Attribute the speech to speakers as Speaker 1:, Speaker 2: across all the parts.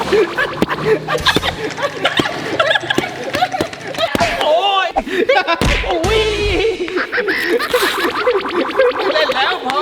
Speaker 1: โอ้ยโอ้ยเล่นแล้วพอ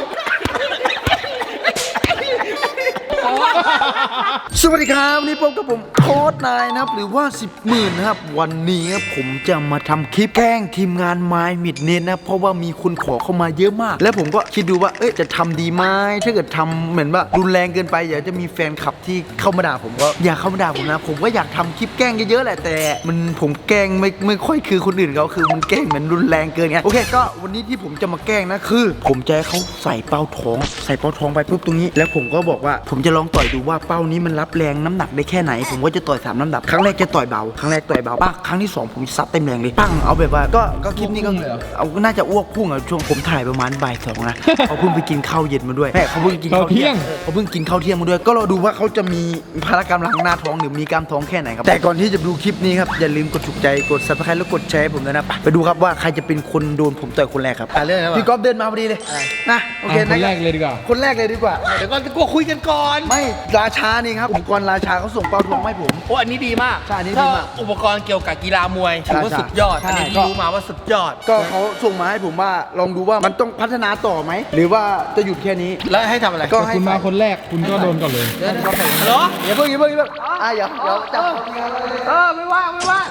Speaker 2: สวัสดีครับวันนี้พบกับผมโค้ดนายนะครับหรือว่า10 หมื่นนะครับวันนี้ผมจะมาทำคลิปแกล้งทีมงานไม้มิดเน็ตนะเพราะว่ามีคนขอเข้ามาเยอะมากแล้วผมก็คิดดูว่าจะทำดีไหมถ้าเกิดทำเหมือนว่ารุนแรงเกินไปอยากจะมีแฟนคลับที่เข้ามาด่าผมก็อยากเข้ามาด่าผมนะผมก็อยากทำคลิปแกล้งเยอะๆแหละแต่ผมแกล้งไม่ค่อยคือคนอื่นเขาคือมันแกล้งเหมือนรุนแรงเกินไงโอเคก็วันนี้ที่ผมจะมาแกล้งนะคือผมจะให้เขาใส่เป้าท้องไปปุ๊บตรงนี้แล้วผมก็บอกว่าผมจะลองต่อยดูว่าเป้านี้มันรับแรงน้ำหนักได้แค่ไหนผมก็จะต่อย3 ลำดับครั้งแรกจะต่อยเบาครั้งแรกต่อยเบาปังครั้งที่2ผมซัดเต็มแรงเลยปังเอาแบบว่าก็คลิปนี้ก็เอาน่าจะอ้วกพุ่งอ่ะช่วงผมถ่ายประมาณบ่าย2นะเขาเพิ่งไปกินข้าวเย็นมาด้วยแม่เขาเพิ่งกินข้าวเที่ยงเขาเพิ่งกินข้าวเที่ยงมาด้วยก็รอดูว่าเขาจะมีพารากรรมหลังหน้าท้องหรือมีกล้ามท้องแค่ไหนครับแต่ก่อนที่จะดูคลิปนี้ครับอย่าลืมกดถูกใจกด Subscribe แล้วกดแชร์ผมด้วยนะไปดูครับว่าใครจะเป็นคนโดนผมต่อยคนแรกครับพี่ก๊อฟเดินมาพอดีเลยนะโอเคคนแรกเลยดีกว่าเดี๋ยวก่อนกูคุยกันก่อนไม่ราชานี่ครับอุปกรณ์ราชาเขาส่งเป้าทองให้ผม
Speaker 1: โอ้อันนี้ดีมาก
Speaker 2: ใช่อันนี้ดีมาก
Speaker 1: อุปกรณ์เกี่ยวกับกีฬามวยถือว่าสุดยอดอันนี้ที่รู้มาว่าสุดยอด
Speaker 2: ก็เขาส่งมาให้ผมว่าลองดูว่ามันต้องพัฒนาต่อไหมหรือว่าจะหยุดแค่นี้
Speaker 1: แล้วให้ทำอะไร
Speaker 2: ก็ให้
Speaker 3: คุณมาคนแรกคุณก็โดนก่อนเลย
Speaker 1: เหรอ
Speaker 2: อย่าเพิ่งอย่าจับไม่ว่างไม่ว่าง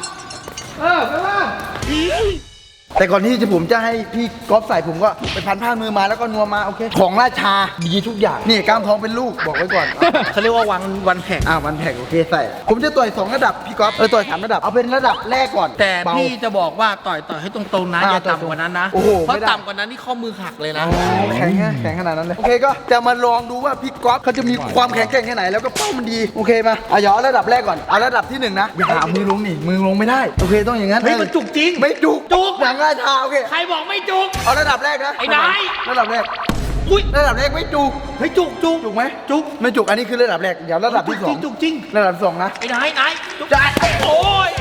Speaker 2: แต่ก่อนที่ผมจะให้พี่ก๊อฟใส่ผมก็ไปพันผ้ามือมาแล้วก็นัวมาโอเคของราชาดีทุกอย่างนี่กล้ามท้องเป็นลูกบอกไว้ก่อน
Speaker 1: เขาเรียกว่าวันแข่ง
Speaker 2: วันแข่งโอเคใส่ผมจะต่อย2 ระดับพี่ก๊อฟต่อย3 ระดับเอาเป็นระดับแรกก่อน
Speaker 1: แต่พี่จะบอกว่าต่อยให้ตรงๆนะอย่าต่ำกว่านั้นนะเพราะต่ำกว่านั้นนี่ข้อมือหักเลยนะ
Speaker 2: แข็งขนาดนั้นเลยโอเคก็จะมาลองดูว่าพี่ก๊อฟเขาจะมีความแข็งแกร่งแค่ไหนแล้วก็เป้ามันดีโอเคมาอย่าเอาระดับแรกก่อนเอาระดับที่1นะอย่าหามือลงนี่มือลงไม่ได้โอเคต้องอย่างนั้น
Speaker 1: เฮ้ยมันจุกจริง
Speaker 2: ไม่จุกหนังราชาโอเค
Speaker 1: ใครบอกไม่จุก
Speaker 2: เอาระดับแรกนะ
Speaker 1: ไอ้นาย
Speaker 2: ระดับแรกอุ้ยระดับแรกไม่จุก
Speaker 1: เฮ้ยจุก
Speaker 2: ไหมจุกไม่จุกอันนี้คือระดับแรกเดี๋ยวระดับที่2
Speaker 1: จุกจริง
Speaker 2: ระดับ2นะ
Speaker 1: ไอ้นายจุกได้โอ้ย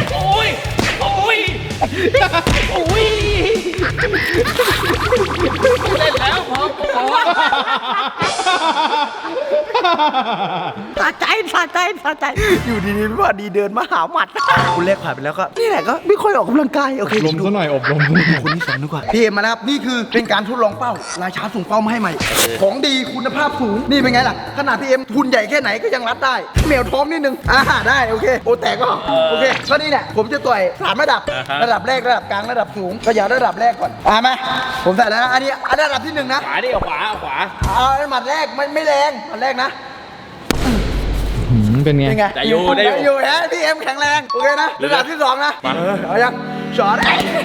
Speaker 1: เล่นแล้วพอ
Speaker 2: สะใจอยู่ดีๆว่าดีเดินมาหาหมัดคุณแรกผ่านไปแล้วก็นี่แหละก็ไม่ค่อยออกกำลังกายโอเค
Speaker 3: ลมซะหน่อยอบรม
Speaker 2: คนที่2ดีกว่าพี่เอ็มมานะครับนี่คือเป็นการทดลองเป้าราชาส่งเป้ามาให้ใหม่ของดีคุณภาพสูงนี่เป็นไงล่ะขนาดพี่เอ็มทุนใหญ่แค่ไหนก็ยังรัดได้เหนียวท้องนิดนึงได้โอเคโอแต่ก็โอเคก็นี่แหละผมจะต่อย3 ระดับระดับแรกระดับกลางระดับสูงก็อย่าระดับแรกก่อนมาผมใส่แล้วนะอันนี้ระดับที่1นะ
Speaker 1: ขวาดิเอาขวา
Speaker 2: เอาหมัดแรกไม่แรงหมัดแรกนะ
Speaker 3: เป็นไง
Speaker 1: ได้อยู่
Speaker 2: ฮะพี่เอ็มแข็งแรงโอเคนะระดับที่2นะเอายังช็อต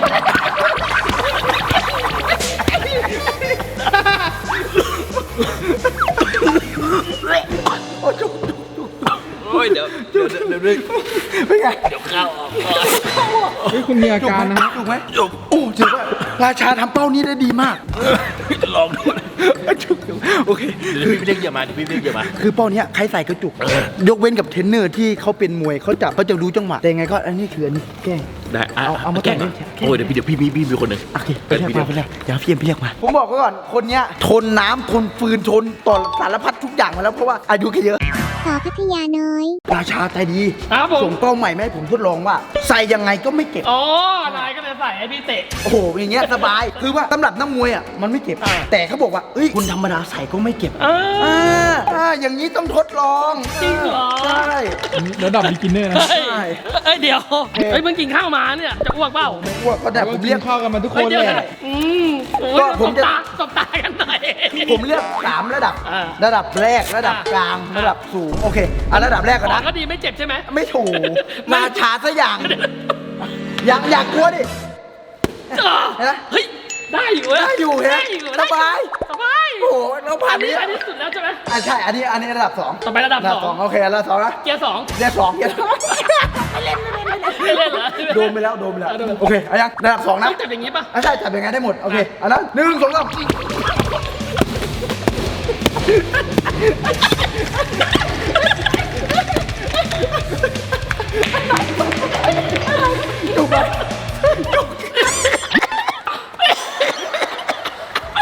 Speaker 1: โอ้ยเดี๋ยว
Speaker 2: เป็นไง
Speaker 1: เดี๋ยวเข้าออก
Speaker 3: เฮ้ยคุณมีอาการนะ
Speaker 2: ถูกไหมโอ้ถือว่าราชาทำเป้านี้ได้ดีมาก
Speaker 1: ลองดู
Speaker 2: โอเค
Speaker 1: พี่เรียกอย่ามา
Speaker 2: คือเป้านี้ใครใส่ก็จุกยกเว้นกับเทรนเนอร์ที่เขาเป็นมวยเขาจับเขาจะรู้จังหวะแต่ยังไงก็อันนี้คืออันนี้แกล้ง
Speaker 1: ได้
Speaker 2: เอามาแกล้ง
Speaker 1: โอ้ยเดี๋ยวพี่มีคนหนึ่ง
Speaker 2: โอเคไปเรียกเดี๋ยวพี่เอ็มเรียกมาผมบอกก่อนคนเนี้ยทนน้ำทนฟืนทนต่อสารพัดทุกอย่างมาแล้วเพราะว่าอายุแค่เยอะ
Speaker 4: สาวพัทยาน้อย
Speaker 2: ราชาใจดีส่งเป้าใหม่มาให้ผมทดลองว่าใส่ยังไงก็ไม่เจ็บ
Speaker 1: นายก็เลยใส่ให้พี่เตะ
Speaker 2: โอ้โหอย่างเงี้ยสบายคือว่าสำหรับนักมวยมันไม่เจ็บแต่เขาบอกว่าคุณธรรมดาใส่ก็ไม่เจ็บอย่างนี้ต้องทดลอง
Speaker 1: จริงเหรอ
Speaker 2: ใช่
Speaker 3: ระดับบิ๊กินเนอร์นะ
Speaker 1: ใช่เดี๋ยวมึงกินข้าวมาเนี่ยจะอ้วกเปล่า
Speaker 2: ไม่อ้วกก็แต่ผมเรียก
Speaker 3: ข้าวกันมาทุกคนเลย
Speaker 1: ก็ผมจะตบตากันหน่อย
Speaker 2: ผมเลือก3 ระดับแรกระดับกลางระดับสูงโอเคระดับแรกก่อนนะ
Speaker 1: ก็ดีไม่เจ็บใช่ไหม
Speaker 2: ไม่ถูกราชาซะอย่างอยากกลัวดิ
Speaker 1: เฮ้ยได้อยู่
Speaker 2: เฮ้ยสบายโอ้โหเราผ่าน
Speaker 1: นี้อันนี้สุดแล้วใช่ไหม
Speaker 2: ใช่อันนี้ระดับ2
Speaker 1: ต่อไประดับ2
Speaker 2: โอเคระดับ2นะ
Speaker 1: เกียร์2
Speaker 2: เล่น
Speaker 1: เหรอ
Speaker 2: โดนไปแล้วโอเคเอายังระดับ2นะ
Speaker 1: จับอย่างงี้ป่ะ
Speaker 2: ใช่จับอย่างงี้ได้หมดโอเคอันนั้น1 2 3จุกไป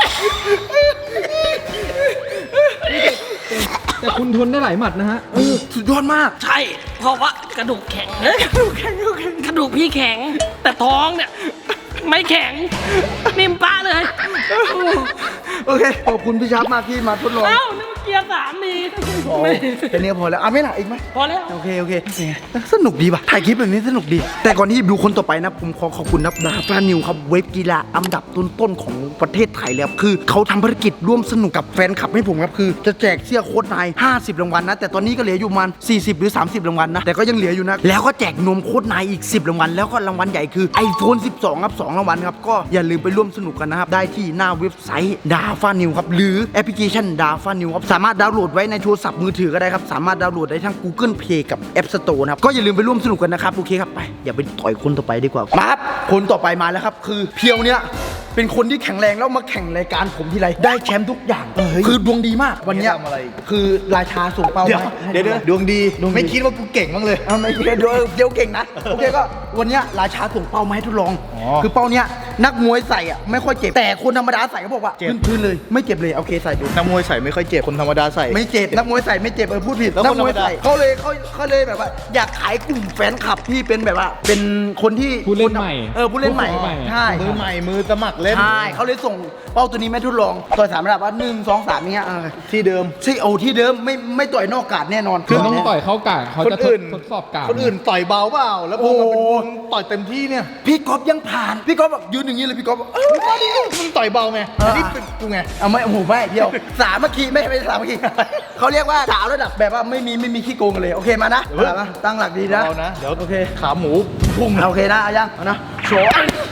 Speaker 3: แต่คุณทนได้หลายหมัดนะฮะ
Speaker 2: สุสุดยอดมาก
Speaker 4: ใช่ เพราะว่ากระดูกแข็งกระดูกพี่แข็ง แต่ท้องเนี่ย ไม่แข็ง นิ่มป้าเลย
Speaker 2: โอเคขอบคุณพี่ชับมากที่มาทดลอง
Speaker 4: เอ้านี่มันเกียร์3นี่
Speaker 2: แค่นี้พอแล้วอ่ะไม่หนักอีกไหม
Speaker 4: พอแล้ว
Speaker 2: โอเคสนุกดีป่ะถ่ายคลิปแบบนี้สนุกดี แต่ก่อนที่ดูคนต่อไปนะผมขอขอบคุณนะดาฟานิวครับเว็บกีฬาอันดับต้นๆของประเทศไทยเลยครับคือเขาทำภารกิจร่วมสนุกกับแฟนคลับให้ผมครับคือจะแจกเสื้อโค้ชนาย50รางวัลนะแต่ตอนนี้ก็เหลืออยู่ประมาณ40หรือ30รางวัลนะแต่ก็ยังเหลืออยู่นะแล้วก็แจกนมโค้ชนายอีก10รางวัลแล้วก็รางวัลใหญ่คือ iPhone 12ครับ2รางวัลครับก็อย่าลืมไปร่วมสนุกกันนะครับได้ที่หน้าเว็บไซต์ดาฟานิวครับหรือแอปพลิเคชันดาฟานิวครับสามารถดาวน์โหลดไว้ในโทรศัพท์มือถือก็ได้ครับสามารถดาวน์โหลดได้ทั้ง Google Play กับ App Store นะครับก็อย่าลืมไปร่วมสนุกกันนะครับโอเคครับไปอย่าไปต่อยคนต่อไปดีกว่ามาครับคนต่อไปมาแล้วครับคือเพียวเนี่ยเป็นคนที่แข็งแรงแล้วมาแข่งรายการผมทีไรได้แชมป์ทุกอย่างคือดวงดีมากวันเนี้ยคือราชาส่งเป้ามา
Speaker 5: เดี๋ยวดวงดีไม่คิดว่ากูเก่งบ้างเลย
Speaker 2: ไม่คิดเดี๋ยวเก่งนะโอเคก็วันเนี้ยราชาส่งเป้ามาให้ทดลอง คือเป้าเนี้ยนักมวยใส่อ่ะไม่ค่อยเจ็บแต่คนธรรมดาใส่เขาบอกว่าพื้นๆเลยไม่เจ็บเลยโอเคใส่ดู
Speaker 5: นักมวยใส่ไม่ค่อยเจ็บ คนธรรมดาใส่
Speaker 2: ไม่เจ็บนักมวยใส่ไม่เจ็บพูดผิด
Speaker 5: แล้ว
Speaker 2: นั
Speaker 5: คน
Speaker 2: กมวย
Speaker 5: ธรรมดา
Speaker 2: ใส่เขาเลยแบบว่า อยากขายกลุ่มแฟนคลับที่เป็นแบบว่า เป็นคนที่
Speaker 3: ผู้เล่นใหม่
Speaker 2: ผู้เล่นใหม่
Speaker 3: ผู้เล่นใหม่
Speaker 2: ใช่
Speaker 5: มือใหม่มือสมัครเล่น
Speaker 2: ใช่เขาเลยส่งเป้าตัวนี้มาทดลองต่อย3ระดับว่า1 2 3อย่างเงี้ย
Speaker 5: ที่เดิม
Speaker 2: ที่เดิมไม่ต่อยนอกกาดแน่นอน
Speaker 3: คือต้องต่อยเข้ากาดเขา
Speaker 5: คน
Speaker 3: จะ
Speaker 5: อื่น
Speaker 3: ทดสอบกาด
Speaker 5: คนอื่นต่อยเบาเปล่า แล้วพอมาเป็นมึงต่อยเต็มที่เนี่ย
Speaker 2: พี่ก๊อฟยังผ่านพี่ก๊อฟแบบยืนอย่างนี้เลยพี่ก๊อฟบอกมาดิ
Speaker 5: มึงต่อยเบาไงอันนี้เป็นกูไง
Speaker 2: เอาไม่โอ้โหไม่เดียวสามัคคีไม่สามัคคีเขาเรียกว่าสาวระดับแบบว่าไม่มีขี้โกงกันเลยโอเคมานะเอามาตั้งหลักดีนะ
Speaker 5: เบานะ เดี๋ยว
Speaker 2: โอเค
Speaker 5: ขาหมูพุ่ง
Speaker 2: โอเคนะเอายังเอานะโชว์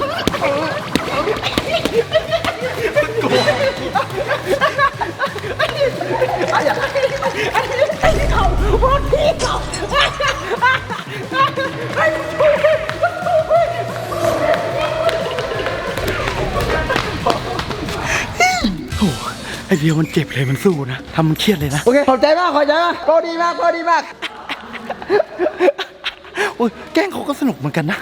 Speaker 2: ไอเดียวมันเจ็บเลยมันสู้นะทำมันเครียดเลยนะโอเคขอบใจมากพอดีมากโอ้ยแกล้งเขาก็สนุกเหมือนกันนะ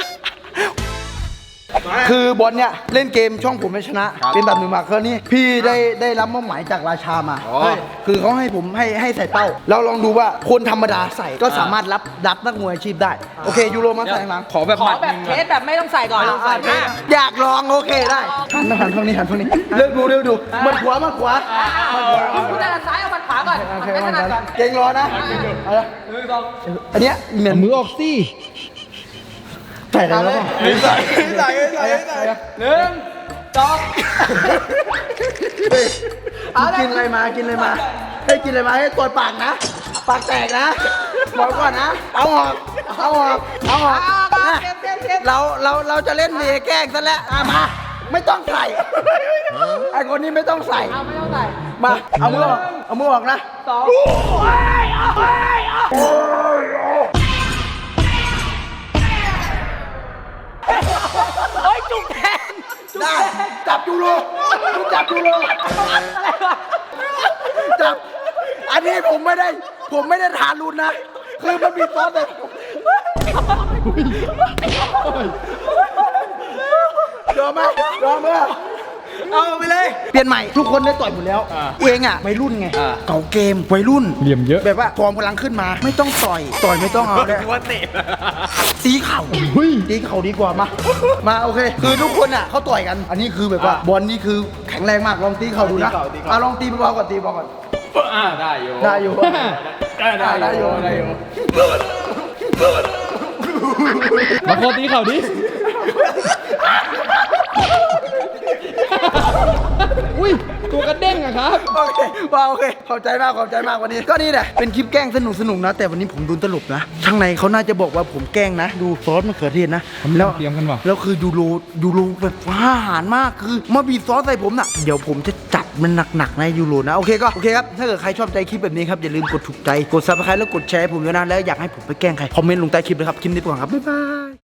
Speaker 2: คือบอลเนี่ยเล่นเกมช่องผมไม่ชนะ เป็นแบบหนึ่งมาคราวนี้พี่ได้รับมอบหมายจากราชามาคือเขาให้ผมให้ใส่เป้าแล้วลองดูว่าคนธรรมดาใส่ก็สามารถรับนักมวยอาชีพได้โอเคยูโรมาใส่ข้างหลัง
Speaker 1: ขอแบบ
Speaker 4: ขอแบบเทสแบบไม่ต้องใส่ก่อน
Speaker 2: อยากลองโอเคได้หันทางนี้เลือกดูมันขวา
Speaker 4: คุณจะซ้ายเอามันขวาก่อน
Speaker 2: โอเค
Speaker 4: ไม่ถนัดก่อน
Speaker 2: เก่งรอนะเอาละอันเนี้ยเหมือน
Speaker 3: เอามือออกสิ
Speaker 2: ใส่ได้แล้วป่ะ
Speaker 5: ใส่
Speaker 4: 1 2
Speaker 2: กินอะไรมาให้กินอะไรมาให้ตัวปากนะปากแตกนะบอกก่อนนะเอาออกนะเราจะเล่นเมแกล้งซะแล้วมาไม่ต้องใส่ไอคนนี้ไม่ต้องใส่มาเอามือออกนะจุกแทนได้จับยูโรจับอันนี้ผมไม่ได้ทารุณนะคือมันมีซอสเลยยอมไหมเอาไปเลยเปลี่ยนใหม่ทุกคนได้ต่อยหมดแล้วเองอ่ะวัยรุ่นไงเก่าเกมวัยรุ่น
Speaker 3: เหลี่ยมเยอะ
Speaker 2: แบบว่าฟอร์มพลังขึ้นมาไม่ต้องต่อยไม่ต้องเอาเลยว่าเตะตีเข่าตีเข่าดีกว่ามาโอเคคือทุกคนอ่ะเขาต่อยกันอันนี้คือแบบว่าบอลนี่คือแข็งแรงมากลองตีเข่าดูนะลองตีเบาๆก่อนได้อยู่
Speaker 3: มาโคตีเขาดิ อุ้ยตัวกระเด้งอะครับ
Speaker 2: โอเคขอบใจมากวันนี้ก็นี่แหละเป็นคลิปแกล้งสนุกนะแต่วันนี้ผมโดนตลบนะข้างในเขาน่าจะบอกว่าผมแกล้งนะดูซอสมะเขือเทศนะ
Speaker 3: แล้วเตรียมกันว่ะ
Speaker 2: แล้วคือยูโรแบบอาหารมากคือมาบีบซอสใส่ผมน่ะเดี๋ยวผมจะจัดมันหนักๆนะยูโรนะโอเคครับถ้าเกิดใครชอบใจคลิปแบบนี้ครับอย่าลืมกดถูกใจกดซับสไครต์แล้วกดแชร์ให้ผมด้วยนะแล้วอยากให้ผมไปแกล้งใครคอมเมนต์ลงใต้คลิปเลยครับคลิปนี้ไปก่อนครับบ๊ายบาย